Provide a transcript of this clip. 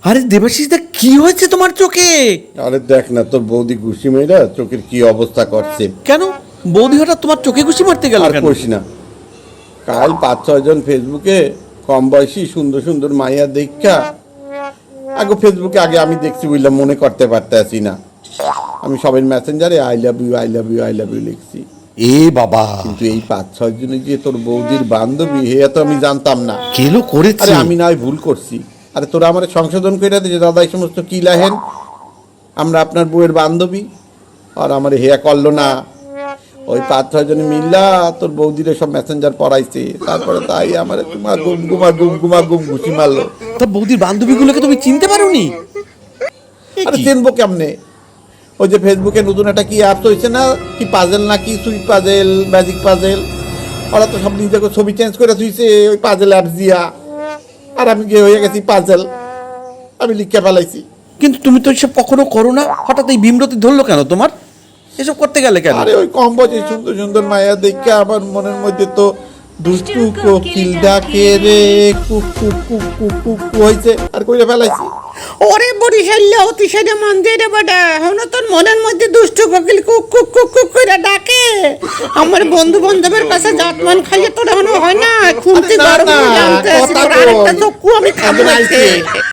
আরে দেবাশিস দা, কি হয়েছে তোমার চোখে? আরে দেখ না, তোর বৌদি ঘুষি মেয়েরা চোখের কি অবস্থা করছে। কেন বৌদি হঠাৎ তোমার চোখে ঘুষি মারতে গেল আর কেন? কইস না, কাল 5-6 জন ফেসবুকে কম বয়সী সুন্দর সুন্দর মাইয়া দেখা, আগে ফেসবুকে আগে আমি দেখছি বুঝলাম, মনে করতে পারতেছি না। আমি সবাই মেসেঞ্জারে I love you I love you I love you লিখছি। এ বাবা, কিন্তু এই 5-6 জনে যে তোর বৌদির বান্ধবী, হে তো আমি জানতাম না। কেলো করেছে? আরে আমি না হয় ভুল করছি, আরে তোরা আমার সংশোধন করে দে যে দাদা এই সমস্ত কি লাহেন, আমরা আপনার বউয়ের বান্ধবী। আর আমার হেয়া করলো না, ওই 5-6 জনে মিল্লা তোর বৌদিরে সব মেসেঞ্জার পড়াইছে, তারপরে তাই আমার তোমার গুম ঘুষি মারলো। তা বৌদির বান্ধবীগুলোকে তুমি চিনতে পারোনি? আরে চিনবো কেমনে? ওই যে ফেসবুকে নতুন একটা কি অ্যাপস হয়েছে না, কি পাজেল না কি, সুইট পাজেল, ম্যাজিক পাজেল, ওরা তো সব নিজেকে ছবি চেঞ্জ করে থুইছে ওই পাজেল অ্যাপস দিয়া। আর আমি গিয়ে হয়ে গেছি পাজেল, আমি লিখে ফেলাইছি। কিন্তু তুমি তো এসব কখনো করো না, হঠাৎ এই বিমরতি ধরলো কেন তোমার? এসব করতে গেলে কেন? আরে ওই কম বয়সে সুন্দর সুন্দর মায়া দেখে আমার মনের মধ্যে তো দুষ্টু কোকিল ডাকে রে, কুক কুক কুক কুক কুক হয়েছে, আর কইরা ফেলাইছি। ওরে বরিশাল্লা অতিশয় মন দিয়ে রে বেটা, হনো তোর মনের মধ্যে দুষ্ট কোকিল কুক কুক কুক কুক করে ডাকে। আমার বন্ধু বান্ধবের কাছে জাতমান খাইয়ে তোর হনো হয় না, খুনতি আরে না, গরম না, হয়ে জানতে কথা আরেকটা কই। চক্ষু আমি খাবো আরে আজকে। আইছে।